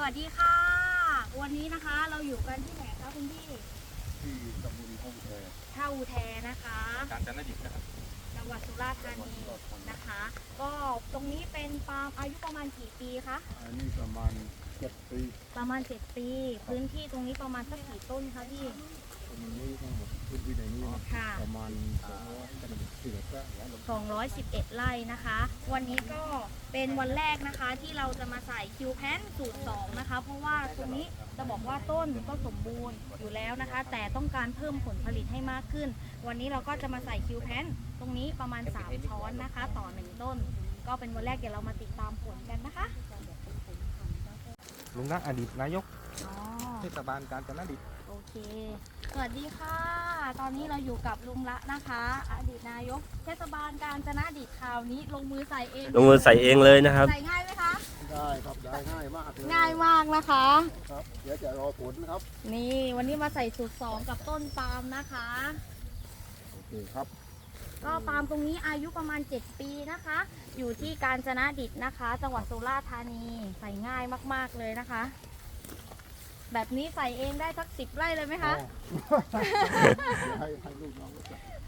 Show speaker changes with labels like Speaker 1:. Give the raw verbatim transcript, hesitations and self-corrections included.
Speaker 1: วัสดีค่ะวันนี้นะคะเราอยู่กันที่ไหนคะคุณพี่
Speaker 2: ที่ตำบลท่าอุแท
Speaker 1: ท่าอุแทนะคะ
Speaker 2: กาญจนดิตนะครับ
Speaker 1: จังหวัดสุราษฎร์ธานีนะคะก็ตรงนี้เป็นปาล์มอายุประมาณกี่ปีคะ
Speaker 2: อันนี้ประมาณเจ็ดปี
Speaker 1: ประมาณเจ็ดปีพื้นที่ตรงนี้ประมาณสักกี่ต้นคะพี่
Speaker 2: ตรงนี้ทั้งหมดพื้นที่ในนี้ประมาณ
Speaker 1: สองร้อยสิบเอ็ดไร่นะคะวันนี้ก็เป็นวันแรกนะคะที่เราจะมาใส่คิวแพนสูตรสองนะคะเพราะว่าตรงนี้จะบอกว่าต้นก็สมบูรณ์อยู่แล้วนะคะแต่ต้องการเพิ่มผลผลิตให้มากขึ้นวันนี้เราก็จะมาใส่คิวแพนตรงนี้ประมาณสามช้อนนะคะต่อหนึ่งต้นก็เป็นวันแรกเดี๋ยวเรามาติดตามผลกันนะคะ
Speaker 2: ลุงนะอดีตนายก
Speaker 1: อ๋อ
Speaker 2: เทศบาลกาญจนดิต
Speaker 1: โอเคสวัสดีค่ะตอนนี้เราอยู่กับลุงละนะคะอดีตนายกเทศบาลกาญจนดิตคราวนี้ลงมือใส่เอง
Speaker 3: ลงมือใส่เองเลยนะครับ
Speaker 1: ใส่ง่ายไหมคะ
Speaker 2: ได้ครับได้ง่ายมากเลย
Speaker 1: ง่ายมากนะคะ
Speaker 2: ครับเดี๋ยวจะรอผลนะครับ
Speaker 1: นี่วันนี้มาใส่สูตรสองกับต้นปาล์มนะคะ
Speaker 2: โอเคครับ
Speaker 1: ก็ปาล์มตรงนี้อายุประมาณเจ็ดปีนะคะอยู่ที่กาญจนดิตนะคะจังหวัดสุราษฎร์ธานีใส่ง่ายมากๆเลยนะคะแบบนี้ใส่เองได้สักสิบไร่เลยไหมคะ
Speaker 2: ให้ให้ลูกน้อง